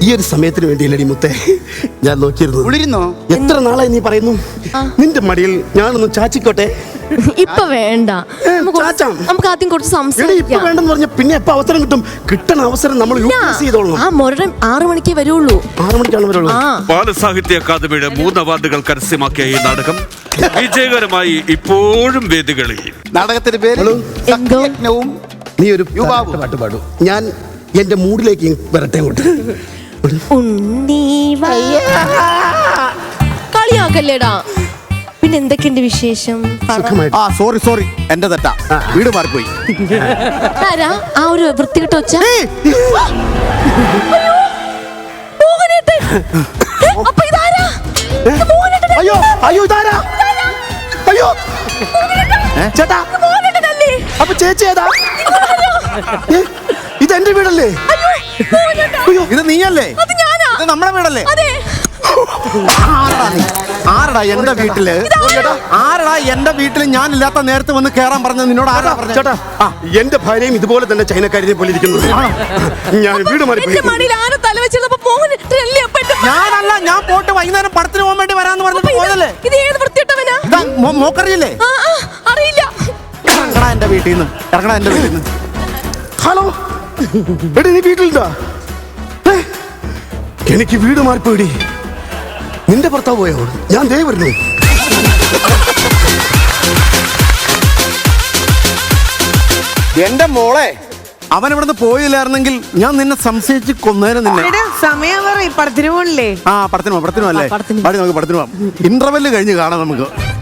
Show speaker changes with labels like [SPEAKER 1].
[SPEAKER 1] ഒരു സമയത്തിന് വേണ്ടിയല്ലടി മുത്തേ ഞാൻ നോക്കിയിരുന്നു.
[SPEAKER 2] കുളിരുന്നോ?
[SPEAKER 1] എത്ര നാളായി നീ പറയുന്നു നിന്റെ മടിയിൽ ഞാനൊന്ന് ചാച്ചിക്കോട്ടെ?
[SPEAKER 3] ഇപ്പൊ വേണ്ട, നമുക്ക് ആദ്യം കുറച്ച്
[SPEAKER 1] ഇപ്പൊ
[SPEAKER 3] സംസാരിക്കാം.
[SPEAKER 1] വേണ്ടെന്ന് പറഞ്ഞ പിന്നെ എപ്പോ അവസരം കിട്ടും? കിട്ടണ അവസരം നമ്മൾ യൂട്ടിലൈസ് ചെയ്തോളണം.
[SPEAKER 3] ആ മുരടൻ 6 മണിക്കേ വരുള്ളൂ.
[SPEAKER 1] 6 മണിക്കാണ് വരുള്ളൂ.
[SPEAKER 4] ബാലസാഹിത്യ അക്കാദമിയുടെ 3 അവാർഡുകൾ കരസ്ഥമാക്കിയ ഈ നാടകം വിജയകരമായി ഇപ്പോഴും വേദികളിൽ.
[SPEAKER 2] നാടകത്തിന്റെ പേര് സത്യജ്ഞവും
[SPEAKER 1] നീ ഒരു
[SPEAKER 2] യുവാവും.
[SPEAKER 1] പാട്ട് പാടൂ, ഞാൻ എന്റെ മൂഡിലേക്ക് വരട്ടെ അങ്ങോട്ട്.
[SPEAKER 3] കളിയാക്കല്ലേടാ. പിന്നെ എന്തൊക്കെയുണ്ട് വിശേഷം?
[SPEAKER 2] ആ സോറി എന്റെ തെറ്റാ, വീട് മാറിപ്പോയി.
[SPEAKER 3] ആരാ ആ ഒരു വൃത്തികെട്ട ഒച്ച? അപ്പൊ ഇതാരാ?
[SPEAKER 1] അയ്യോ അയ്യോ ഇതാരാ? അയ്യോ ചേട്ടാ, അപ്പൊ ചേച്ചി ഏതാ? ഇത് എന്റെ വീടല്ലേ?
[SPEAKER 2] അയ്യോ ഇത് നീയല്ലേ? ഇത് നമ്മുടെ വീടല്ലേ? ആരടാ എന്റെ വീട്ടില്? ആരടാ എന്റെ വീട്ടില് ഞാൻ ഇല്ലാത്ത നേരത്തെ വന്ന് കേറാൻ പറഞ്ഞത്? നിന്നോട് ആരാ പറഞ്ഞത്?
[SPEAKER 1] ചേട്ടാ, എന്റെ ഭാര്യയും ഇതുപോലെ തന്നെ ചൈനക്കാരിനെ പോലെ ഇരിക്കുന്നു. ഞാൻ വീട് മാറി.
[SPEAKER 2] ഞാനല്ല, ഞാൻ പോട്ട് വൈകുന്നേരം പടത്തിന് പോകാൻ വേണ്ടി വരാന്ന് പറഞ്ഞിട്ട് പോയതല്ലേ? മോക്കറിയില്ലേ? ഇറങ്ങടാ എന്റെ വീട്ടിൽ നിന്ന്, ഇറങ്ങടാ എന്റെ വീട്ടിൽ നിന്ന്.
[SPEAKER 1] ഹലോ എടി, നീ വീട്ടിലുണ്ടാ? എനിക്ക് വീട് മാറിപ്പോയിടി. നിന്റെ ഭർത്താവ് പോയോ? ഞാൻ ദേ വരുന്നു.
[SPEAKER 2] എന്റെ മോളെ, അവൻ ഇവിടുന്ന് പോയില്ലായിരുന്നെങ്കിൽ ഞാൻ നിന്നെ സംശയിച്ച് കൊന്നേരം നിന്നെ.
[SPEAKER 5] സമയം പറയും, പടത്തിന് പോണില്ലേ?
[SPEAKER 2] ആ പടത്തിന് പോവാം അല്ലേ? പടത്തിന് പോവാം. ഇന്റർവെല്ല് കഴിഞ്ഞ് കാണാം നമുക്ക്.